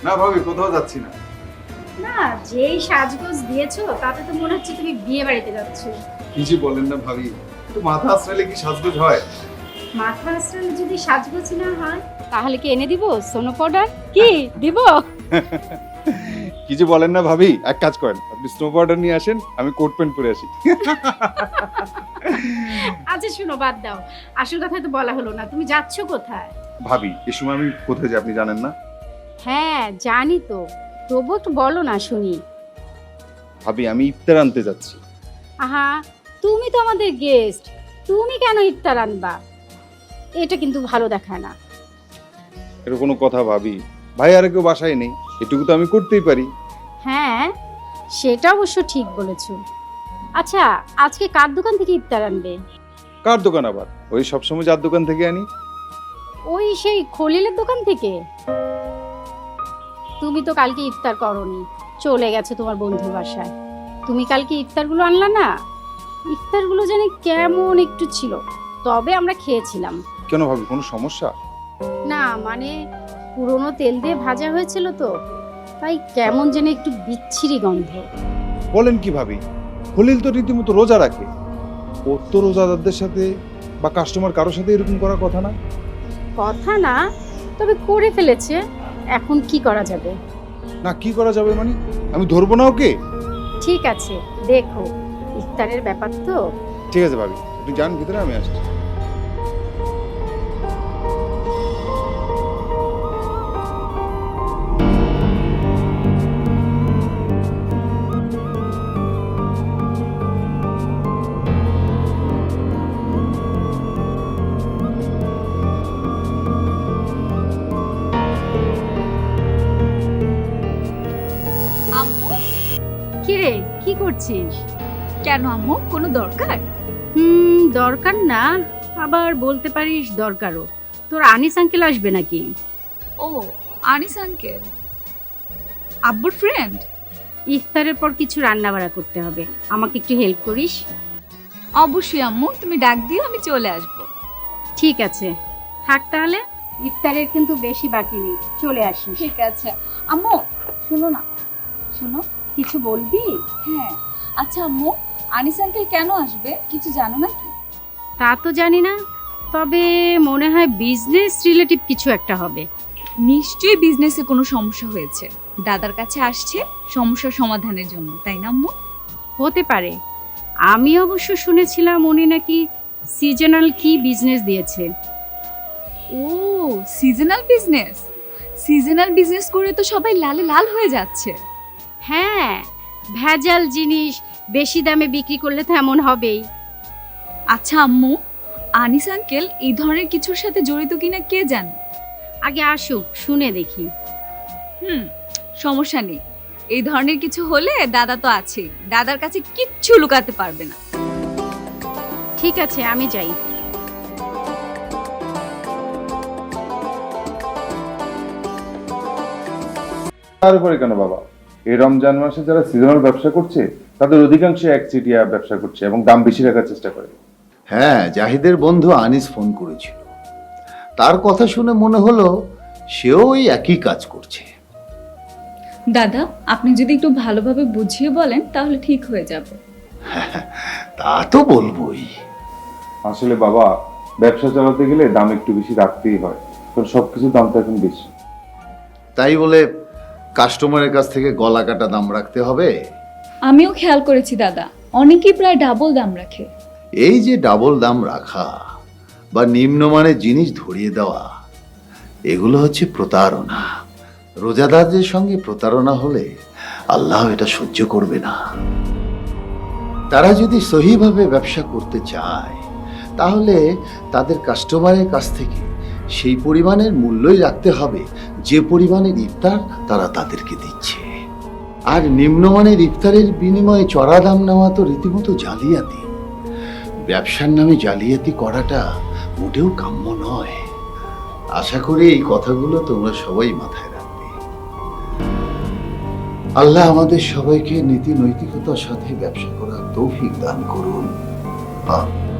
না ভাবি, কোথাও যাচ্ছি না। না, যেই সাজগোজ দিয়েছো তাতে তো মনে হচ্ছে তুমি বিয়ে বাড়িতে যাচ্ছ। কিছু বলেন না ভাবি, একটু মাথা আশ্রাইলে কি সাজগোজ হয়? মাথা আসলে যদি সাজগোজ না হয় তাহলে কি এনে দিব সোনো পাউডার? কি দিব? কিছু বলেন না ভাবি, এক কাজ করেন, আপনি স্নো পাউডার নিয়ে আসেন, আমি কোট প্যান্ট পরে আসি। আচ্ছা শুনো, বাদ দাও, আসল কথা তো বলা হলো না, তুমি যাচ্ছ কোথায়? ভাবি, এই সময় আমি কোথায় যাই আপনি জানেন না? হ্যাঁ জানি তো, তবু একটু বলো না শুনি। ভাবি, আমি ইফতার আনতে যাচ্ছি। আহা, তুমি তো আমাদের গেস্ট, তুমি কেন ইফতার আনবা? এটা কিন্তু ভালো দেখায় না। এটা কোনো কথা ভাবি? ভাই আর কেউ বাসায় নেই, এটুকু তো আমি করতেই পারি। হ্যাঁ, সেটা অবশ্য ঠিক বলেছো। আচ্ছা, আজকে কার দোকান থেকে ইফতার আনবে? কার দোকান আবার? ওই সবসময় যার দোকান থেকে আনি। ওই সেই খলিলের দোকান থেকে? তুমি তো কালকে ইফতার করনি, চলে গেছে তোমার বন্ধুর বাসায়। তুমি কালকে ইফতারগুলো আনলা না, ইফতারগুলো জানি কেমন একটু ছিল, তবে আমরা খেয়েছিলাম। কেন ভাবি, কোনো সমস্যা? না মানে পুরনো তেল দিয়ে ভাজা হয়েছিল তো, তাই কেমন যেন একটু বিচ্ছিরি গন্ধ। বলেন কি ভাবি, খলিল তো রীতিমতো রোজা রাখে, ওর তো রোজাদারদের সাথে বা কাস্টমার কারোর সাথে এরকম করার কথা না। কথা না, তবে করে ফেলেছে, এখন কি করা যাবে? না কি করা যাবে মানে? আমি ধরবো না ওকে? ঠিক আছে, দেখো, ইফতারের ব্যাপার তো। ঠিক আছে ভাবি, আপনি যান ভিতরে, আমি আসছি। আম্মু, কি রে, কি করছিস? কেন আম্মু, কোনো দরকার? দরকার না, আবার বলতে পারিস দরকারও। তোর আনিস আঙ্কেল আসবে নাকি? ও, আনিস আঙ্কেল আব্বুর ফ্রেন্ড? ইফতারের পর কিছু রান্না বাড়া করতে হবে, আমাকে একটু হেল্প করিস? অবশ্যই আম্মু, তুমি ডাক দিও, আমি চলে আসব। ঠিক আছে, থাক তাহলে, ইফতারের কিন্তু বেশি বাকি নেই, চলে আসিস। ঠিক আছে আম্মু, শোনো না, শোনো। কিছু বলবি? হ্যাঁ, আচ্ছা আম্মু, আনিস আঙ্কেল কেন আসবে কিছু জানো নাকি? তা তো জানি না, তবে মনে হয় বিজনেস রিলেটিভ কিছু একটা হবে। নিশ্চয়ই বিজনেসে কোনো সমস্যা হয়েছে, দাদার কাছে আসছে সমস্যার সমাধানের জন্য, তাই না আম্মু? হতে পারে, আমি অবশ্য শুনেছিলাম উনি নাকি সিজনাল কি বিজনেস দিয়েছে। ও, সিজনাল বিজনেস? সিজনাল বিজনেস করে তো সবাই লালে লাল হয়ে যাচ্ছে। হ্যাঁ, ভেজাল জিনিস বেশি দামে বিক্রি করলে তো এমন হবেই। আচ্ছা আম্মু, আনিস আঙ্কেল এই ধরনের কিছুর সাথে জড়িত কিনা কে জানে? আগে আসুক, শুনে দেখি। সমস্যা নেই, এই ধরনের কিছু হলে দাদা তো আছেই, দাদার কাছে কিচ্ছু লুকাতে পারবে না। ঠিক আছে, আমি যাই। তার উপরে কেন বাবা, এই রমজান মাসে যারা সিজনাল ব্যবসা করছে তাদের অধিকাংশ একচেটিয়া ব্যবসা করছে এবং দাম বেশি রাখার চেষ্টা করে। হ্যাঁ, জাহিদের বন্ধু আনিস ফোন করেছিল, তার কথা শুনে মনে হলো সেও ওই একই কাজ করছে। দাদা, আপনি যদি একটু ভালোভাবে বুঝিয়ে বলেন তাহলে ঠিক হয়ে যাবে। তা তো বলবোই। আসলে বাবা, ব্যবসা চালাতে গেলে দাম একটু বেশি রাখতেই হয়, কারণ সবকিছুর দাম তো এখন বেশি। তাই বলে কাস্টমারের কাছ থেকে গলা কাটা দাম রাখতে হবে? আমিও খেয়াল করেছি দাদা, অনেকেই প্রায় ডাবল দাম রাখে। এই যে ডাবল দাম রাখা বা নিম্নমানের জিনিস ধরিয়ে দেওয়া, এগুলো হচ্ছে প্রতারণা। রোজাদারদের সঙ্গে প্রতারণা হলে আল্লাহ এটা সহ্য করবে না। তারা যদি সহিভাবে ব্যবসা করতে চায় তাহলে তাদের কাস্টমারের কাছ থেকে সেই পরিমাণের মূল্যই রাখতে হবে যে পরিমাণের ইফতার তারা তাদেরকে দিচ্ছে। আর নিম্নমানের ইফতারের বিনিময়ে চড়া দাম নেওয়া তো রীতিমতো জালিয়াতি। ব্যবসার নামে জালিয়াতি করাটা মোটেও কাম্য নয়। আশা করি এই কথাগুলো তোমরা সবাই মাথায় রাখবে। আল্লাহ আমাদের সবাইকে নীতি নৈতিকতার সাথে ব্যবসা করার তৌফিক দান করুন।